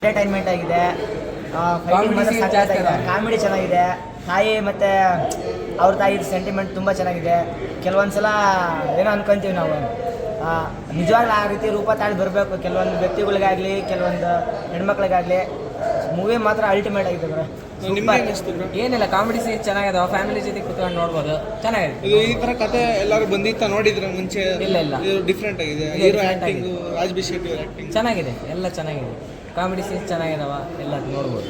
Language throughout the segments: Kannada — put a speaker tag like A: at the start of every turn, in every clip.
A: ಎಂಟರ್ಟೈನ್ಮೆಂಟ್ ಆಗಿದೆ, ಕಾಮಿಡಿ ಚೆನ್ನಾಗಿದೆ. ತಾಯಿ ಮತ್ತು ಅವ್ರ ತಾಯಿ ಸೆಂಟಿಮೆಂಟ್ ತುಂಬ ಚೆನ್ನಾಗಿದೆ. ಕೆಲವೊಂದ್ಸಲ ಏನೋ ಅನ್ಕೊಂತೀವಿ ನಾವು, ನಿಜವಾಗ್ಲೂ ಆ ರೀತಿ ರೂಪ ತಾಳಿ ಬರಬೇಕು ಕೆಲವೊಂದು ವ್ಯಕ್ತಿಗಳಿಗಾಗಲಿ, ಕೆಲವೊಂದು ಹೆಣ್ಮಕ್ಳಿಗಾಗಲಿ. ಮೂವಿ ಮಾತ್ರ ಅಲ್ಟಿಮೇಟ್ ಆಗಿದೆ ಬ್ರೋ.
B: ಏನಿಲ್ಲ, ಕಾಮಿಡಿ ಸೀನ್ ಚೆನ್ನಾಗಿದೆ, ಫ್ಯಾಮಿಲಿ ಜೊತೆ ಕುತ್ಕೊಂಡು ನೋಡ್ಬೋದು, ಚೆನ್ನಾಗಿದೆ.
C: ಈ ತರ ಕತೆ ಎಲ್ಲರೂ ಬಂದಿತ್ತ ನೋಡಿದ್ರೆ ಮುಂಚೆ?
B: ಇಲ್ಲ
C: ಡಿಫ್ರೆಂಟ್ ಆಗಿದೆ. Hero acting, Raj B Shetty acting
B: ಚೆನ್ನಾಗಿದೆ, ಎಲ್ಲ ಚೆನ್ನಾಗಿದೆ. ಕಾಮಿಡಿ ಸೀನ್ ಚೆನ್ನಾಗಿದಾವ, ಎಲ್ಲ ನೋಡ್ಬೋದು.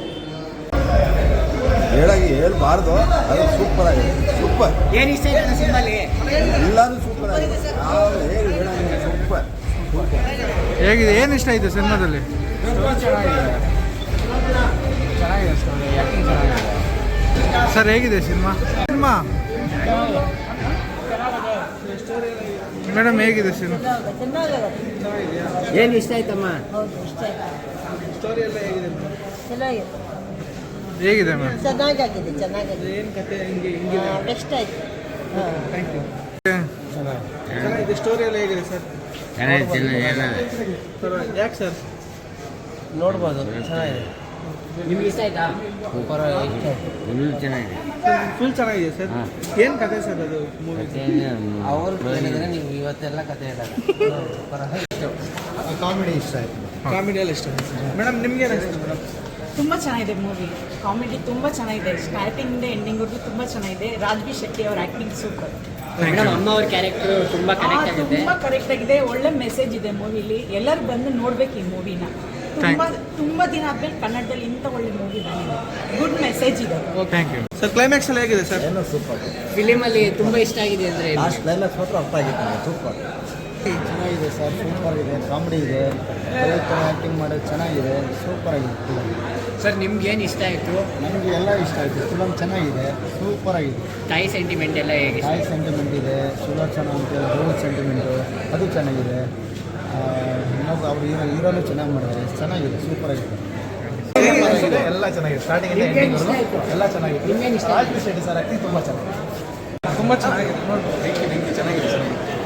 D: ಹೇಳ್ಬಾರ್ದು, ಅದು ಸೂಪರ್ ಆಗಿದೆ. ಸೂಪರ್.
A: ಏನು ಇಷ್ಟ ಆಯ್ತು ಸಿನಿಮಾಲಿ?
D: ಎಲ್ಲರೂ ಸೂಪರ್ ಆಗಿದೆ. ಸೂಪರ್.
C: ಹೇಗಿದೆ? ಏನು ಇಷ್ಟ ಆಯಿತು ಸಿನಿಮಾದಲ್ಲಿ?
B: ಚೆನ್ನಾಗಿದೆ ಸ್ಟೋರಿ, ಆ್ಯಕ್ಟಿಂಗ್ ಚೆನ್ನಾಗಿದೆ.
C: ಸರ್ ಹೇಗಿದೆ ಸಿನಿಮಾ? ಮೇಡಮ್ ಹೇಗಿದೆ ಸಿನಿಮಾ?
B: ಏನು ಇಷ್ಟ ಆಯ್ತಮ್ಮ?
C: ಸ್ಟೋರಿ ಎಲ್ಲ ಹೇಗಿದೆ?
E: ಚೆನ್ನಾಗಿದೆ.
C: ಹೇಗಿದೆ ಮ್ಯಾಮ್?
E: ಚೆನ್ನಾಗಿದೆ.
C: ಏನು ಕತೆ?
E: ಬೆಸ್ಟ್ ಆಯ್ತು.
C: Thank you. ಚೆನ್ನಾಗಿದೆ. ಸ್ಟೋರಿ ಎಲ್ಲ ಹೇಗಿದೆ ಸರ್? ಯಾಕೆ ಸರ್?
B: ನೋಡ್ಬೋದು, ಚೆನ್ನಾಗಿದೆ. ನಿಮ್ಗೆ ಇಷ್ಟ ಆಯ್ತಾ? ಚೆನ್ನಾಗಿದೆ,
C: ಫುಲ್ ಚೆನ್ನಾಗಿದೆ ಸರ್. ಏನು ಕತೆ ಸರ್ ಅದು ಮೂವಿ?
B: ಅವರು ಹೇಳಿದ್ರೆ ನೀವು ಇವತ್ತೆಲ್ಲ ಕತೆ ಹೇಳಲ್ಲ.
D: ಕಾಮಿಡಿ ಇಷ್ಟ ಆಯಿತು.
C: ಕಾಮಿಡಿ ಎಲ್ಲ ಇಷ್ಟ ಆಯ್ತು. ಮೇಡಮ್ ನಿಮ್ಗೆ ಏನು ಅನಿಸ್ತು ಮೇಡಮ್?
F: ತುಂಬ ಚೆನ್ನಾಗಿದೆ ಮೂವಿ. ಕಾಮಿಡಿ ತುಂಬ ಚೆನ್ನಾಗಿದೆ, ಸ್ಟಾರ್ಟಿಂಗಿಂದ ಎಂಡಿಂಗ್ವರೆಗೂ ತುಂಬ ಚೆನ್ನಾಗಿದೆ. ರಾಜ್ಬಿ ಶೆಟ್ಟಿ ಅವ್ರ ಆ್ಯಕ್ಟಿಂಗ್ ಸೂಪರ್.
B: ಅಮ್ಮ ಅವ್ರ ಕ್ಯಾರೆಕ್ಟರ್ ತುಂಬ ಕನೆಕ್ಟ್ ಆಗಿದೆ.
F: ತುಂಬ ಕರೆಕ್ಟ್ ಆಗಿದೆ, ಒಳ್ಳೆ ಮೆಸೇಜ್ ಇದೆ ಮೂವಿಲಿ. ಎಲ್ಲರೂ ಬಂದು ನೋಡ್ಬೇಕು ಈ ಮೂವಿನ. ತುಂಬ ದಿನ ಆದ್ಮೇಲೆ ಕನ್ನಡದಲ್ಲಿ ಇಂಥ ಒಳ್ಳೆ ಮೂವಿ ಬಂದಿದೆ, ಗುಡ್ ಮೆಸೇಜ್ ಇದೆ.
C: Thank you sir. ಕ್ಲೈಮ್ಯಾಕ್ಸ್ ಎಲ್ಲ ಹೇಗಿದೆ ಸರ್?
D: ಏನೋ ಸೂಪರ್.
B: ಫಿಲಿಮಲ್ಲಿ ತುಂಬ ಇಷ್ಟ ಆಗಿದೆ ಅಂದರೆ
D: ಲಾಸ್ಟ್ ಕ್ಲೈಮ್ಯಾಕ್ಸ್ ಮಾತ್ರ ಅರ್ಥ ಆಗಿತ್ತು. ಸೂಪರ್ ಚೆನ್ನಾಗಿದೆ ಸರ್. ಸೂಪರ್ ಇದೆ, ಕಾಮಿಡಿ ಇದೆ, ಆ್ಯಕ್ಟಿಂಗ್ ಮಾಡೋದು ಚೆನ್ನಾಗಿದೆ, ಸೂಪರ್ ಆಗಿದೆ ಫಿಲಮ್.
B: ಸರ್ ನಿಮ್ಗೆ ಏನು ಇಷ್ಟ ಆಯಿತು?
D: ನಮಗೆ ಎಲ್ಲ ಇಷ್ಟ ಆಯಿತು. ಫಿಲಮ್ ಚೆನ್ನಾಗಿದೆ, ಸೂಪರ್ ಆಗಿದೆ.
B: ತಾಯಿ ಸೆಂಟಿಮೆಂಟ್ ಎಲ್ಲ ಹೇಗೆ?
D: ತಾಯಿ ಸೆಂಟಿಮೆಂಟ್ ಇದೆ, ಸುಲೋಚನಾ ಅಂತೇಳಿ ರೋಲ್ ಸೆಂಟಿಮೆಂಟು ಅದು ಚೆನ್ನಾಗಿದೆ. ಇನ್ನೊಬ್ಬ ಅವ್ರು ಹೀರೋನು ಚೆನ್ನಾಗಿ ಮಾಡಿದ್ದಾರೆ, ಚೆನ್ನಾಗಿದೆ, ಸೂಪರ್ ಆಗಿದೆ. ಎಲ್ಲ ಚೆನ್ನಾಗಿದೆ, ಸ್ಟಾರ್ಟಿಂಗ್ ಎಲ್ಲ ಚೆನ್ನಾಗಿದೆ. ರಾಜ್ಬಿ ಶೆಟ್ಟಿ ಸರ್ ಆ್ಯಕ್ಟಿಂಗ್ ತುಂಬ ಚೆನ್ನಾಗಿದೆ.
C: ತುಂಬ ಚೆನ್ನಾಗಿದೆ.
D: ಚೆನ್ನಾಗಿದೆ ಸರ್.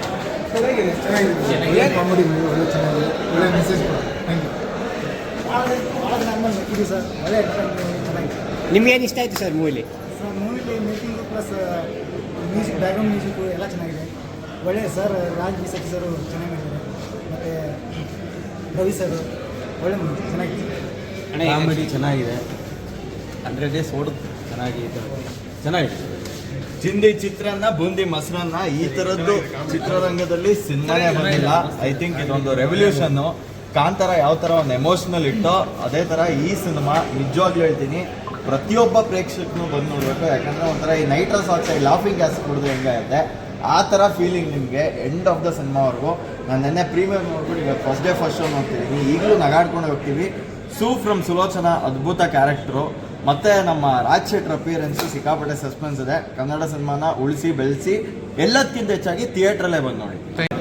C: ಚೆನ್ನಾಗಿದೆ.
D: ಕಾಮಿಡಿ ಒಳ್ಳೆ ಚೆನ್ನಾಗಿದೆ, ಒಳ್ಳೆ ಮೆಸೇಜ್ ಕೂಡ. Thank you. ಭಾಳ ನಮ್ಮಲ್ಲಿ ಇದೆ ಸರ್, ಒಳ್ಳೆ ಚೆನ್ನಾಗಿದೆ.
B: ನಿಮ್ಗೆ ಏನು ಇಷ್ಟ ಆಯಿತು ಸರ್ ಮೂವಿಲಿ?
D: ಸರ್ ಮೂವಿಲಿ making plus music, background music ಎಲ್ಲ ಚೆನ್ನಾಗಿದೆ. ಒಳ್ಳೆ ಸರ್, ರಾಜ್ಬಿ ಶೆಟ್ಟಿ ಸರು ಚೆನ್ನಾಗಿ ಮಾಡಿದ್ದಾರೆ, ಮತ್ತು ರವಿ ಸರ್ ಒಳ್ಳೆ ಮೂವಿ ಚೆನ್ನಾಗಿದೆ.
G: ಕಾಮಿಡಿ ಚೆನ್ನಾಗಿದೆ, 100 ಡೇಸ್ ಓಡೋದು ಚೆನ್ನಾಗಿದೆ. ಚಿಂದಿ ಚಿತ್ರಾನ್ನ, ಬೂಂದಿ ಮೊಸರನ್ನ, ಈ ಥರದ್ದು ಚಿತ್ರರಂಗದಲ್ಲಿ ಸಿನಿಮಾನೇ ಬಂದಿಲ್ಲ. ಐ ಥಿಂಕ್ ಇದೊಂದು ರೆವಲ್ಯೂಷನ್ನು. ಕಾಂತಾರ ಯಾವ ಥರ ಒಂದು ಎಮೋಷ್ನಲ್ ಇಟ್ಟೋ ಅದೇ ಥರ ಈ ಸಿನಿಮಾ ನಿಜವಾಗ್ಲೂ ಹೇಳ್ತೀನಿ ಪ್ರತಿಯೊಬ್ಬ ಪ್ರೇಕ್ಷಕನು ಬಂದು ನೋಡಬೇಕು. ಯಾಕಂದರೆ ಒಂಥರ ಈ ನೈಟ್ರಸ್ ಆಕ್ಸೈಡ್ ಲಾಫಿಂಗ್ ಗ್ಯಾಸ್ ಕುಡಿದು ಹೆಂಗಾಗುತ್ತೆ ಆ ಥರ ಫೀಲಿಂಗ್ ನಿಮಗೆ ಎಂಡ್ ಆಫ್ ದ ಸಿನಿಮಾವರೆಗೂ. ನಾನು ನೆನ್ನೆ ಪ್ರೀಮಿಯರ್ ನೋಡ್ಬಿಟ್ಟು ಈಗ ಫಸ್ಟ್ ಡೇ ಫಸ್ಟ್ ಶೋ ನೋಡ್ತಿದ್ದೀನಿ, ಈಗಲೂ ನಗಾಡ್ಕೊಂಡು ಹೋಗ್ತೀವಿ. ಫ್ರಮ್ ಸುಲೋಚನಾ ಅದ್ಭುತ ಕ್ಯಾರೆಕ್ಟ್ರು, ಮತ್ತು ನಮ್ಮ ರಾಜ್ ಶೆಟ್ಟರ್ ಅಪಿಯರೆನ್ಸು ಸಿಕ್ಕಾಪಟ್ಟೆ ಸಸ್ಪೆನ್ಸ್ ಇದೆ. ಕನ್ನಡ ಸಿನಿಮಾನ ಉಳಿಸಿ ಬೆಳೆಸಿ ಎಲ್ಲದಕ್ಕಿಂತ ಹೆಚ್ಚಾಗಿ ಥಿಯೇಟ್ರಲ್ಲೇ ಬಂದು ನೋಡಿ.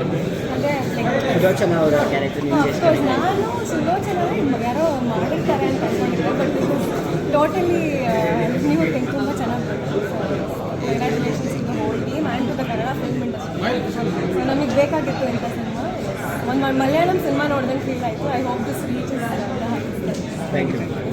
B: ಸುಲೋಚನಾ ಅವರ ಕ್ಯಾರೆಕ್ಟರ್ ನಿಮಗೆ ಇಷ್ಟ ಆಯಿತು?
E: ನಾನು ಸುಲೋಚನಾ ಯಾರೋ ಮಾಡಿರ್ತಾರೆ ಅಂತ ಅನ್ಕೊಂಡಿದ್ದೆ, ಬಟ್ ಟೋಟಲಿ ನೀವು ತುಂಬ ಚೆನ್ನಾಗಿ congratulations to the whole team and to the Kannada film industry. So ನಮಗೆ ಬೇಕಾಗಿತ್ತು ಇಂಥ ಸಿನಿಮಾ. ಒಂದು ಮಲಯಾಳಂ ಸಿನಿಮಾ ನೋಡಿದಂಗೆ ಫೀಲ್ ಆಯಿತು. I hope this reach.
B: Thank you.